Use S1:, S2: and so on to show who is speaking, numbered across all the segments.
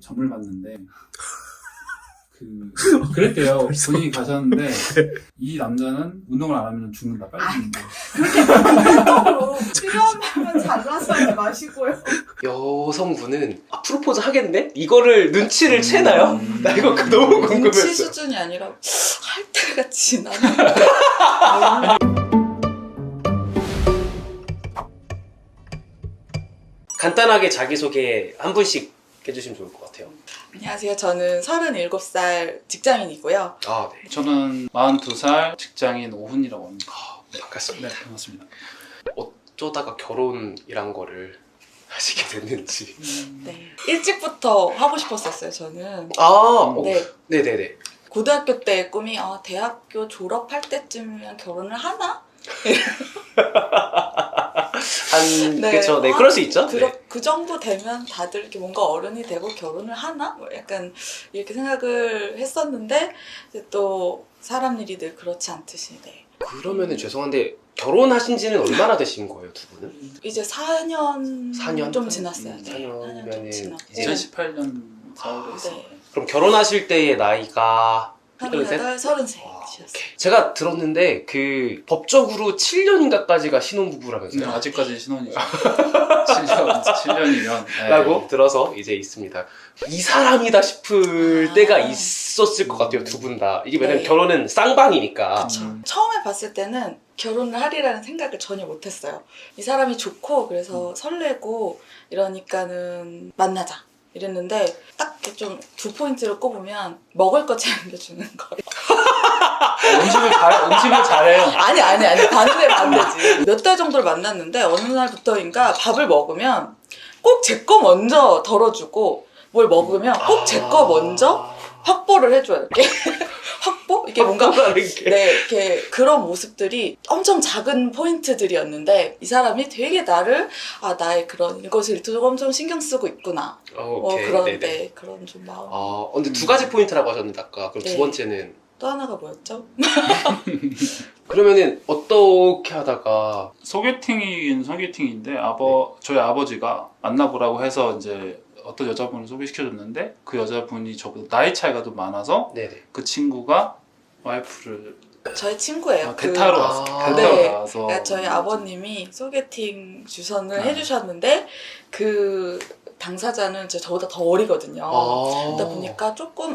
S1: 점을 봤는데 그랬대요. 본인이 가셨는데 이 남자는 운동을 안 하면 죽는다. 빨리 죽는다.
S2: 그렇게 필요하면 잘라서 마시고요.
S3: 여성분은 프로포즈 하겠네? 이거를 눈치를 채나요? 나 이거 너무
S2: 눈치
S3: 궁금했어.
S2: 수준이 아니라 할 때가 지나면
S3: 간단하게 자기소개 한 분씩 해주시면 좋을 것 같아요.
S2: 안녕하세요. 저는 37살 직장인이고요.
S3: 아, 네.
S1: 저는 42살 직장인 오훈이라고 합니다.
S3: 반갑습니다.
S1: 네, 반갑습니다.
S3: 어쩌다가 결혼이란 거를 하시게 됐는지.
S2: 네. 일찍부터 하고 싶었었어요. 저는.
S3: 네. 네네네.
S2: 고등학교 때 꿈이 대학교 졸업할 때쯤이면 결혼을 하나?
S3: 그쵸. 네, 그럴 수 있죠.
S2: 그 정도 되면 다들 이렇게 뭔가 어른이 되고 결혼을 하나? 뭐 약간 이렇게 생각을 했었는데 이제 또 사람 일이 늘 그렇지 않듯이. 네.
S3: 그러면은 죄송한데 결혼하신 지는 얼마나 되신 거예요, 두 분은?
S2: 이제 4년
S3: 4년?
S2: 좀 지났어요.
S3: 4년이면은
S2: 좀 지났고.
S3: 이제
S1: 2018년 4월에 했어요.
S2: 네.
S3: 그럼 결혼하실 때의 나이가
S2: 38, 33이었어요.
S3: 제가 들었는데 그 법적으로 7년인가까지가 신혼부부라면서요?
S1: 아직까지 신혼이죠. 7년이면
S3: 라고 들어서 이제 있습니다. 이 사람이다 싶을 때가 있었을 것 같아요, 두 분 다. 이게 왜냐면
S2: 네.
S3: 결혼은 쌍방이니까.
S2: 처음에 봤을 때는 결혼을 하리라는 생각을 전혀 못했어요. 이 사람이 좋고 그래서 설레고 이러니까는 만나자 이랬는데 딱 좀 두 포인트를 꼽으면 먹을 거 챙겨주는 거예요.
S1: 음식을 잘해요.
S2: 아니 반대지. 몇 달 정도를 만났는데 어느 날부터인가 밥을 먹으면 꼭 제 거 먼저 덜어주고 뭘 먹으면 꼭 제 거 먼저 확보를 해줘요. 이렇게 확보? 이게 뭔가 네, 이렇게 그런 모습들이 엄청 작은 포인트들이었는데 이 사람이 되게 나를 나의 그런 일거수일투족 엄청 신경 쓰고 있구나.
S3: 오케이.
S2: 그런데
S3: 네네.
S2: 그런 좀 마음.
S3: 근데 두 가지 포인트라고 하셨는데 아까 그럼
S2: 네.
S3: 두 번째는
S2: 또 하나가 뭐였죠?
S3: 그러면은 어떻게 하다가
S1: 소개팅이긴 소개팅인데 저희 아버지가 만나보라고 해서 이제 어떤 여자분을 소개시켜줬는데 그 여자분이 저보다 나이 차이가 좀 많아서
S3: 네네.
S1: 그 친구가 와이프를
S2: 저의 친구예요.
S1: 대타로 왔어.
S3: 네.
S1: 대타로 와서
S2: 그러니까 저희 아버님이 소개팅 주선을 해주셨는데 그 당사자는 저보다 더 어리거든요. 그러다 보니까 조금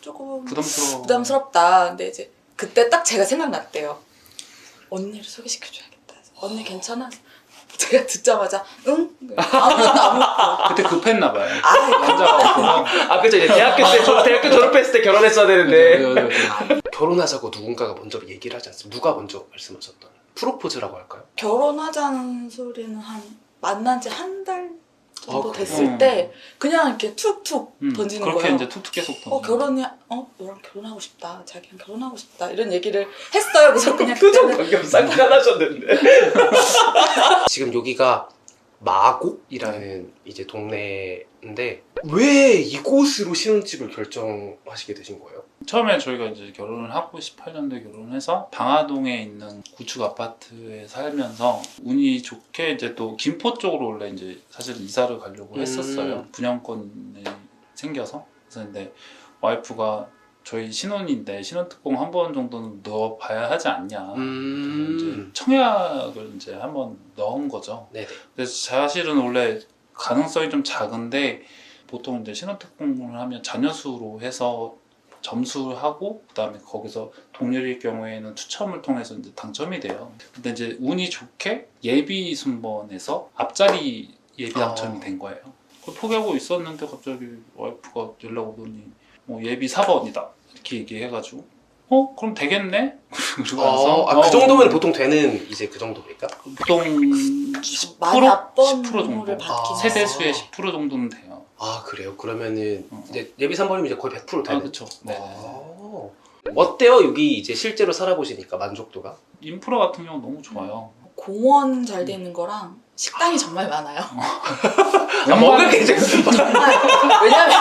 S2: 부담스럽다. 근데 이제 그때 딱 제가 생각났대요. 언니를 소개시켜줘야겠다. 언니 괜찮아? 제가 듣자마자 응? 아무것도
S1: 그때 급했나 봐요. 남자가
S3: 그쵸. 이제 대학교 졸업했을 때 결혼했어야 되는데
S1: 네.
S3: 결혼하자고 누군가가 먼저 얘기를 하지 않습니까? 누가 먼저 말씀하셨던 프로포즈라고 할까요?
S2: 결혼하자는 소리는 만난 지 한 달 정도
S3: 그래요?
S2: 됐을 때 그냥 이렇게 툭툭 던지는
S1: 그렇게
S2: 거예요.
S1: 이제 툭툭 계속 던져.
S2: 너랑 결혼하고 싶다. 자기랑 결혼하고 싶다. 이런 얘기를 했어요. 그래서 그냥
S3: 표정
S2: 그때는
S3: 방금 쌍난하셨는데 지금 여기가 마곡이라는 이제 동네인데 왜 이곳으로 신혼집을 결정하시게 되신 거예요?
S1: 처음에 저희가 이제 결혼을 하고 18년도에 결혼해서 방화동에 있는 구축 아파트에 살면서 운이 좋게 이제 또 김포 쪽으로 원래 이제 사실 이사를 가려고 했었어요. 분양권이 생겨서. 그래서 근데 와이프가 저희 신혼인데 신혼특공 한 번 정도는 넣어봐야 하지 않냐. 이제 청약을 이제 한번 넣은 거죠.
S3: 네네.
S1: 그래서 사실은 원래 가능성이 좀 작은데 보통 이제 신혼특공을 하면 자녀수로 해서 점수하고 그다음에 거기서 동률일 경우에는 추첨을 통해서 이제 당첨이 돼요. 근데 이제 운이 좋게 예비 순번에서 앞자리 예비 당첨이 된 거예요. 그걸 포기하고 있었는데 갑자기 와이프가 연락 오더니 예비 4번이다 이렇게 얘기해가지고 그럼 되겠네? 그러고 나서
S3: 그 정도면 보통 되는 이제 그 정도입니까?
S1: 보통 10%
S2: 많이 앞번
S1: 10% 정도
S2: 번호를 받긴
S1: 세대수의
S2: 했어요.
S1: 10% 정도는 돼요.
S3: 그래요? 그러면은 이제 예비 3번이면 이제 거의 100% 되는
S1: 그렇죠. 네.
S3: 어때요? 여기 이제 실제로 살아보시니까 만족도가?
S1: 인프라 같은 경우 너무 좋아요.
S2: 공원 잘 돼 있는 거랑 식당이 정말 많아요.
S3: 먹을 게 이제
S2: 정말 왜냐면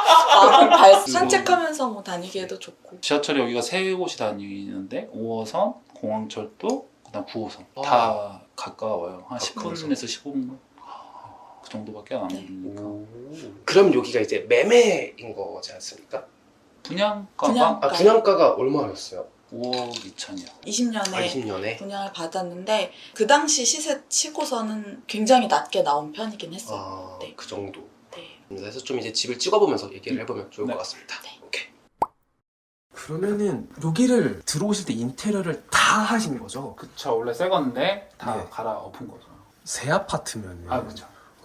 S2: 산책하면서 다니기에도 좋고.
S1: 지하철이 여기가 세 곳이 다니는데 5호선, 공항철도, 그다음 9호선 다 가까워요. 한 10분에서 15분. 정도밖에 안 하니까.
S3: 그럼 여기가 이제 매매인 거지 않습니까?
S1: 분양가가
S3: 분양가가 얼마였어요?
S1: 5억 2천이요.
S2: 20년에
S3: 20년에?
S2: 분양을 받았는데 그 당시 시세 치고서는 굉장히 낮게 나온 편이긴 했어요. 네.
S3: 그 정도.
S2: 네.
S3: 그래서 좀 이제 집을 찍어보면서 얘기를 해보면 좋을
S1: 네.
S3: 것 같습니다.
S2: 네.
S3: 오케이.
S4: 그러면은 여기를 들어오실 때 인테리어를 다 하신 거죠?
S1: 그쵸. 원래 새 건데 다
S4: 네.
S1: 갈아엎은 거죠.
S4: 새 아파트면
S1: 그쵸.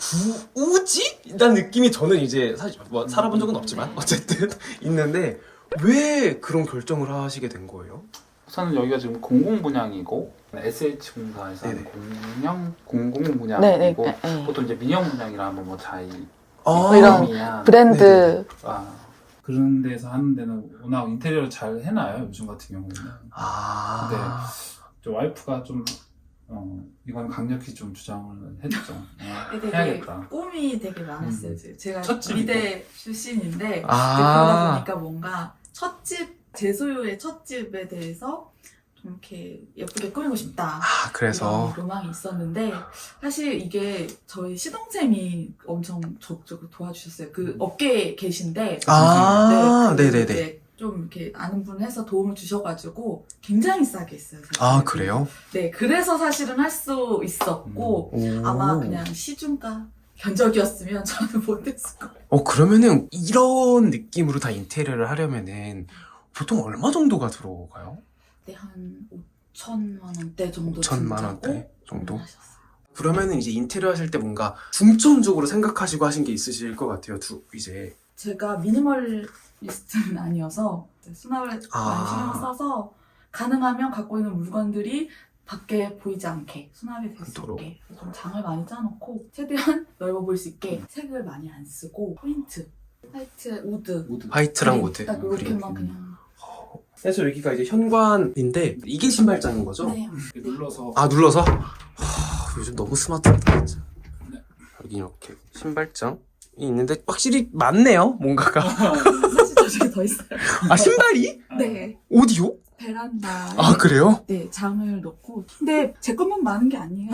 S4: 굳이? 이런 느낌이 저는 이제 사실 뭐 살아본 적은 없지만 어쨌든 있는데 왜 그런 결정을 하시게 된 거예요?
S1: 우선은 여기가 지금 공공분양이고 SH공사에서 하는
S4: 네네.
S1: 공공분양이고 보통 이제 민영분양이라 하면 뭐 자이
S2: 이런
S1: 미안.
S2: 브랜드
S1: 그런 데서 하는 데는 워낙 인테리어를 잘 해놔요. 요즘 같은 경우는. 근데 저 와이프가 좀 이건 강력히 좀 주장을 했죠.
S2: 되게
S1: 해야겠다.
S2: 꿈이 되게 많았어요. 제가
S1: 첫집이고.
S2: 미대 출신인데 그러다 보니까 뭔가 제 소유의 첫집에 대해서 좀 이렇게 예쁘게 꾸미고 싶다.
S4: 그래서
S2: 이런 로망이 있었는데 사실 이게 저희 시동생이 엄청 적극적으로 도와주셨어요. 그 업계에 계신데
S4: 네네네.
S2: 이제 좀 이렇게 아는 분 해서 도움을 주셔가지고 굉장히 싸게 했어요. 사실.
S4: 그래요?
S2: 네, 그래서 사실은 할 수 있었고 아마 그냥 시중가 견적이었으면 저는 못했을 거예요.
S4: 그러면은 이런 느낌으로 다 인테리어를 하려면은 보통 얼마 정도가 들어가요?
S2: 네, 한 5천만 원대 정도
S4: 5천만 원대
S2: 든다고
S4: 정도?
S2: 하셨어요.
S4: 그러면은 이제 인테리어 하실 때 뭔가 중점적으로 생각하시고 하신 게 있으실 것 같아요. 이제
S2: 제가 미니멀리스트는 아니어서 수납을 많이 신경 써서 가능하면 갖고 있는 물건들이 밖에 보이지 않게 수납이 될 수
S4: 그토록.
S2: 있게 좀 장을 많이 짜놓고 최대한 넓어 보일 수 있게 색을 많이 안 쓰고 포인트, 화이트, 우드,
S4: 화이트랑
S2: 그린,
S4: 우드
S2: 딱
S4: 그리고
S2: 이렇게만 그냥
S4: 그래서 여기가 이제 현관인데 이게 신발장인 거죠?
S2: 네.
S1: 눌러서
S4: 눌러서? 요즘 너무 스마트하다 진짜.
S1: 네.
S4: 여기 이렇게 신발장이 있는데 확실히 많네요 뭔가가.
S2: 사실 저쪽에 더 있어요.
S4: 신발이?
S2: 네,
S4: 어디요?
S2: 베란다에
S4: 그래요?
S2: 네, 장을 넣고 근데 제 것만 많은 게 아니에요.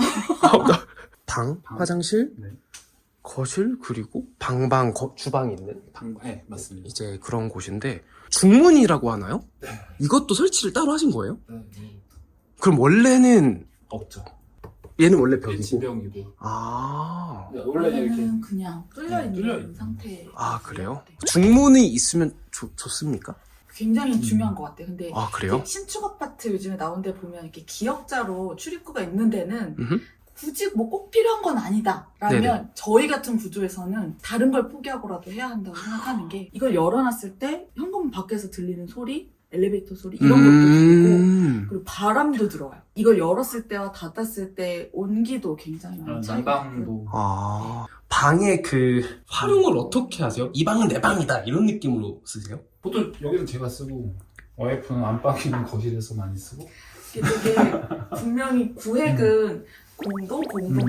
S4: 방,
S1: 방.
S4: 화장실,
S1: 네.
S4: 거실 그리고 주방이 있는
S1: 네, 맞습니다.
S4: 이제 그런 곳인데 중문이라고 하나요? 이것도 설치를 따로 하신 거예요?
S1: 네.
S4: 그럼 원래는
S1: 없죠.
S4: 얘는 원래 벽이고.
S1: 지병이고. 원래 이렇게
S2: 원래는 그냥 뚫려있는
S1: 뚫려있는
S2: 상태.
S4: 그래요? 중문이 있으면 좋습니까?
S2: 굉장히 중요한 것 같아요. 근데
S4: 그래요?
S2: 신축 아파트 요즘에 나온 데 보면 이렇게 기역자로 출입구가 있는 데는
S4: 음흠.
S2: 굳이 뭐 꼭 필요한 건 아니다 라면
S4: 네네.
S2: 저희 같은 구조에서는 다른 걸 포기하고라도 해야 한다고 생각하는 게 이걸 열어놨을 때 현관문 밖에서 들리는 소리, 엘리베이터 소리 이런 것도 들리고 그리고 바람도 들어와요. 이걸 열었을 때와 닫았을 때 온기도 굉장히 많이 차이가 나고
S1: 난방도
S4: 방의 그 활용을 어떻게 하세요? 이 방은 내 방이다 이런 느낌으로 쓰세요?
S1: 보통 여기는 제가 쓰고 와이프는 안방에 있는 거실에서 많이 쓰고.
S2: 이게 되게 분명히 구획은 공동이거든요.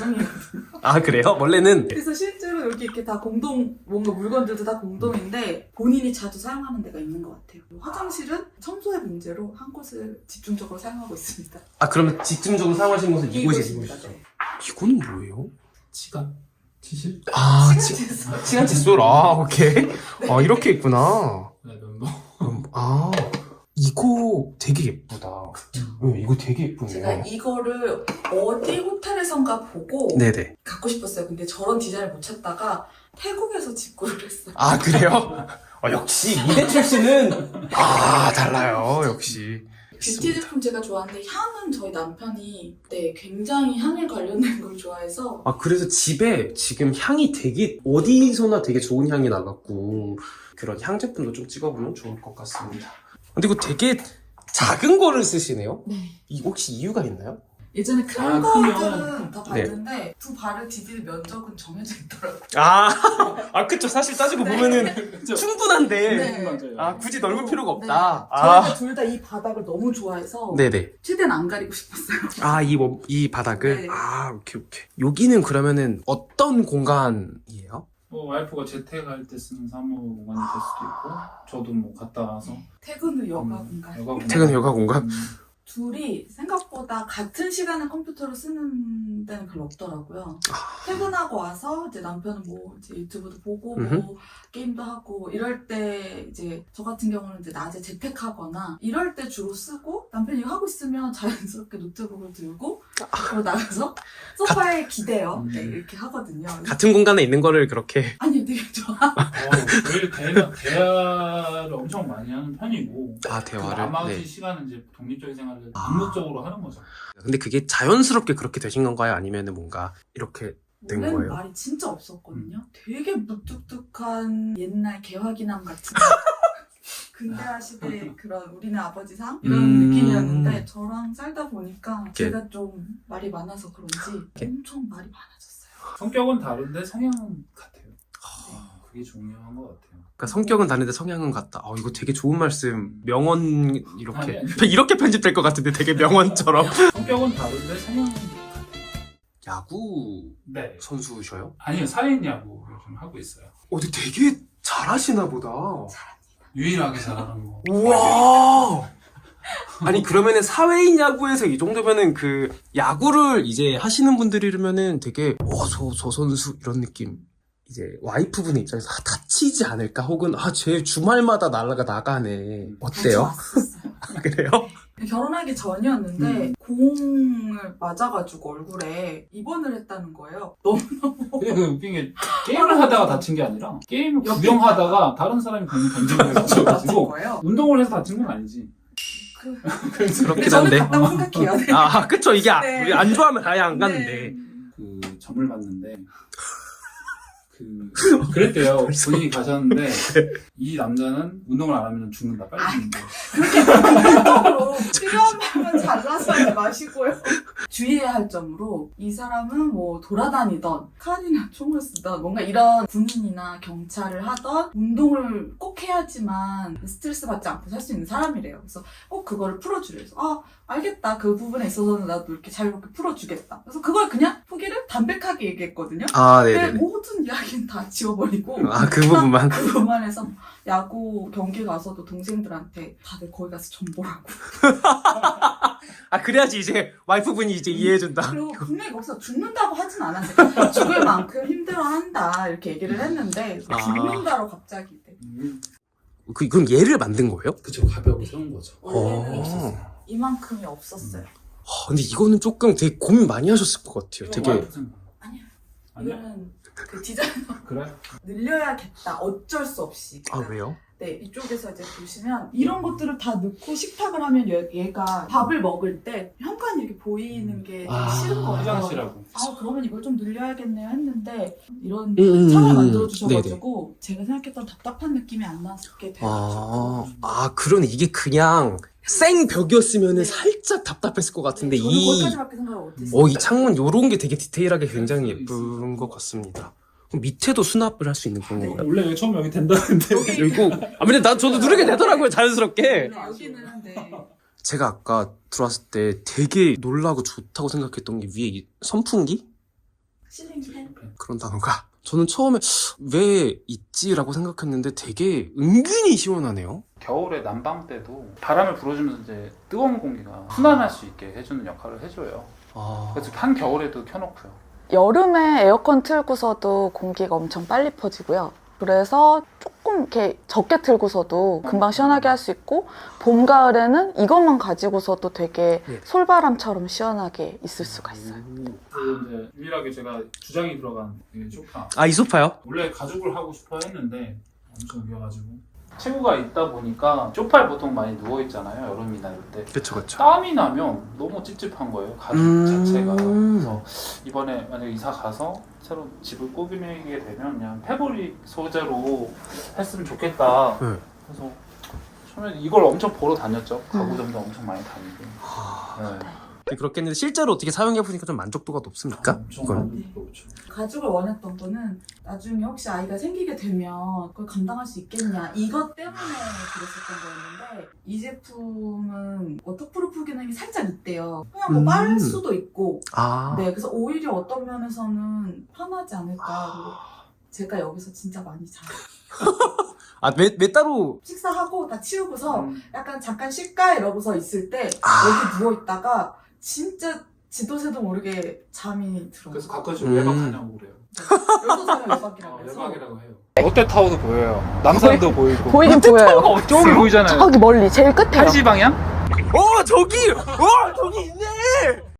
S4: 그래요? 원래는
S2: 그래서 실제로 여기 이렇게 다 뭔가 물건들도 다 공동인데 본인이 자주 사용하는 데가 있는 것 같아요. 화장실은 청소의 문제로 한 곳을 집중적으로 사용하고 있습니다.
S4: 그러면 집중적으로 사용하시는 곳은
S2: 이곳입니다.
S4: 이곳이죠?
S2: 네.
S4: 이건 뭐예요?
S1: 치간? 치실?
S4: 시간 칫솔. 오케이. 이렇게 있구나.
S1: 네, 면도.
S4: 이거 되게 예쁘다. 이거 되게 예쁘네요.
S2: 제가 이거를 어디 호텔에선가 보고
S4: 네네.
S2: 갖고 싶었어요. 근데 저런 디자인을 못 찾다가 태국에서 직구를 했어요.
S4: 그래요? 역시 미대 출신은 달라요. 역시.
S2: 뷰티 제품 제가 좋아하는데 향은 저희 남편이 굉장히 향에 관련된 걸 좋아해서
S4: 그래서 집에 지금 향이 되게 어디서나 되게 좋은 향이 나갖고 그런 향 제품도 좀 찍어보면 좋을 것 같습니다. 근데 이거 되게 작은 거를 쓰시네요?
S2: 네.
S4: 이거 혹시 이유가 있나요?
S2: 예전에 큰
S1: 크면.
S2: 거들은 다 봤는데 두 발을 디딜 면적은 정해져 있더라고요.
S4: 그쵸. 사실 따지고
S2: 네.
S4: 보면은 충분한데.
S2: 네.
S1: 맞아요.
S4: 굳이 넓을 필요가
S2: 네.
S4: 없다.
S2: 저희가 둘 다 이 바닥을 너무 좋아해서
S4: 네네.
S2: 최대한 안 가리고 싶었어요.
S4: 이 바닥을?
S2: 네.
S4: 오케이. 여기는 그러면은 어떤 공간이에요?
S1: 와이프가 재택할 때 쓰는 사무 공간이 될 수도 있고 저도 뭐 갔다 와서
S2: 퇴근 후 여가 공간.
S1: 여가 공간.
S4: 퇴근 여가 공간?
S2: 둘이 생각보다 생각보다 같은 시간에 컴퓨터를 쓰는 데는 별로 없더라고요. 퇴근하고 와서 이제 남편은 뭐 이제 유튜브도 보고 뭐 게임도 하고 이럴 때 이제 저 같은 경우는 이제 낮에 재택하거나 이럴 때 주로 쓰고 남편이 이거 하고 있으면 자연스럽게 노트북을 들고 그리고 나가서 소파에 기대요. 네, 이렇게 하거든요.
S4: 같은 공간에 있는 거를 그렇게
S2: 아니 되게 좋아.
S1: 저희 대화를 엄청 많이 하는 편이고
S4: 대화를.
S1: 나머지
S4: 네.
S1: 시간은 이제 독립적인 생활을 직무적으로 하는 거죠.
S4: 근데 그게 자연스럽게 그렇게 되신 건가요? 아니면은 뭔가 이렇게 된
S2: 원래는
S4: 거예요?
S2: 말이 진짜 없었거든요. 되게 무뚝뚝한 옛날 개화기남 같은 근대화 시대 그런 우리네 아버지상 이런 느낌이었는데 저랑 살다 보니까 제가 좀 말이 많아서 그런지 엄청 말이 많아졌어요.
S1: 성격은 다른데 성향은 같아요. 네, 그게 중요한 것 같아요.
S4: 그러니까 성격은 다른데 성향은 같다. 이거 되게 좋은 말씀. 명언 이렇게
S1: 아니.
S4: 이렇게 편집될 것 같은데 되게 명언처럼.
S1: 성격은 다른데 성향은 같아요.
S4: 야구
S1: 네.
S4: 선수셔요?
S1: 아니요, 사인 야구를 좀 하고 있어요.
S4: 근데 되게 잘하시나 보다.
S1: 유일하게 잘하는 거.
S4: 우와. 아니 그러면은 사회인 야구에서 이 정도면은 그 야구를 이제 하시는 분들이라면은 되게 저 선수 이런 느낌. 이제 와이프분의 입장에서 다치지 않을까 혹은 쟤 주말마다 나가네. 어때요?
S2: 왔었어요.
S4: 그래요?
S2: 결혼하기 전이었는데 공을 맞아가지고 얼굴에 입원을 했다는 거예요. 너무너무
S1: 근데 그 웃긴 게 게임을 하다가 다친 게 아니라 게임을 구경하다가 다른 사람이 공을 던지고
S2: 다친
S1: 다쳐가지고
S2: 거예요.
S1: 운동을 해서 다친 건 아니지.
S2: 근데
S4: 그렇긴
S2: 저는
S4: 한데.
S2: 갔다고 생각해요. 네.
S4: 그쵸. 이게
S2: 네.
S4: 우리 안 좋아하면 아예 안
S2: 네.
S4: 가는데.
S1: 그 점을 봤는데 그랬대요. 본인이 가셨는데 이 남자는 운동을 안 하면 죽는다. 빨리 죽는다.
S2: 극단적으로 필요한 만큼은 잘라서 하지 마시고요. 주의해야 할 점으로 이 사람은 뭐 돌아다니던 칼이나 총을 쓰던 뭔가 이런 군인이나 경찰을 하던 운동을 꼭 해야지만 스트레스 받지 않고 살 수 있는 사람이래요. 그래서 꼭 그거를 풀어주래요. 그래서 알겠다. 그 부분에 있어서는 나도 이렇게 자유롭게 풀어주겠다. 그래서 그걸 그냥 포기를 담백하게 얘기했거든요. 근데
S4: 네네네.
S2: 모든 이야기는 다 지워버리고
S4: 그 부분만.
S2: 그 부분에서 야구 경기 가서도 동생들한테 다들 거기 가서 점 보라고.
S4: 그래야지 이제 와이프분이 이제 이해해준다.
S2: 그리고 분명히 거기서 죽는다고 하진 않았어요. 죽을 만큼 힘들어한다 이렇게 얘기를 했는데 죽는다로 갑자기 네.
S4: 그럼 얘를 만든 거예요?
S1: 그쵸, 가벽을 세운 거죠.
S2: 원래는 이만큼이 없었어요.
S4: 근데 이거는 조금 되게 고민 많이 하셨을 것 같아요. 되게.
S2: 아니요.
S1: 아니야?
S2: 이거는 그 디자이너
S1: 그래?
S2: 늘려야겠다. 어쩔 수 없이.
S4: 왜요?
S2: 네, 이쪽에서 이제 보시면 이런 것들을 다 넣고 식탁을 하면 얘가 밥을 먹을 때 현관이 이렇게 보이는 게 싫은 거예요.
S1: 화장실하고.
S2: 그러면 이걸 좀 늘려야겠네요 했는데 이런
S4: 음.
S2: 창을 만들어주셔가지고 제가 생각했던 답답한 느낌이 안 나게 되었죠.
S4: 그러네. 이게 그냥 생벽이었으면은
S2: 네.
S4: 살짝 답답했을 것 같은데
S2: 저는 거기까지밖에 생각을 못했어요.
S4: 이 창문 요런 게 되게 디테일하게 굉장히 예쁜 것 같습니다. 그럼 밑에도 수납을 할 수 있는 그런 건가요?
S1: 원래 처음 여기 된다는데.
S4: 이거 근데 저도 누르게 되더라고요, 자연스럽게.
S2: 네, 여기는 네.
S4: 제가 아까 들어왔을 때 되게 놀라고 좋다고 생각했던 게 위에 이 선풍기?
S2: 실링팬.
S4: 그런 단어가 저는 처음에 왜 있지라고 생각했는데 되게 은근히 시원하네요.
S1: 겨울에 난방 때도 바람을 불어주면서 이제 뜨거운 공기가 순환할 수 있게 해주는 역할을 해줘요. 그래서 한 겨울에도 켜놓고요.
S2: 여름에 에어컨 틀고서도 공기가 엄청 빨리 퍼지고요. 그래서 조금 이렇게 적게 틀고서도 금방 시원하게 할 수 있고 봄, 가을에는 이것만 가지고서도 되게 솔바람처럼 시원하게 있을 수가 있어요.
S1: 그리고 이제 유일하게 제가 주장이 들어간 이 소파.
S4: 이 소파요?
S1: 원래 가죽을 하고 싶어 했는데 엄청 위험가지고 체구가 있다 보니까 소파에 보통 많이 누워 있잖아요. 여름이나 이럴 때.
S4: 그쵸.
S1: 땀이 나면 너무 찝찝한 거예요. 가죽 자체가. 그래서 이번에 만약에 이사 가서 새로 집을 꾸미게 되면 그냥 패브릭 소재로 했으면 좋겠다.
S4: 네.
S1: 그래서 처음에 이걸 엄청 보러 다녔죠. 가구점도 엄청 많이 다니고. 네.
S4: 그렇겠는데 실제로 어떻게 사용해보니까 좀 만족도가 높습니까?
S1: 엄청
S4: 이건?
S1: 만족도 높죠.
S2: 가죽을 원했던 거는 나중에 혹시 아이가 생기게 되면 그걸 감당할 수 있겠냐 이것 때문에 그랬었던 거였는데 이 제품은 워터프루프 기능이 살짝 있대요. 그냥 뭐 빨 수도 있고 네, 그래서 오히려 어떤 면에서는 편하지 않을까. 그리고 제가 여기서 진짜 많이 자요.
S4: 왜 따로
S2: 식사하고 다 치우고서 약간 잠깐 쉴까 이러고서 있을 때 여기 누워있다가 진짜 지도새도 모르게 잠이 들어.
S1: 그래서 가끔씩
S4: 음.
S1: 외박하냐고 그래요.
S2: 여기서 자면 외박이라고 해서.
S1: 외박이라고 해요. 롯데타워도 보여요. 남산도 보이고.
S5: 보이긴 보여요.
S1: 저기 보이잖아요.
S5: 저기 멀리 제일 끝에요.
S1: 1시 방향?
S4: 저기 있네!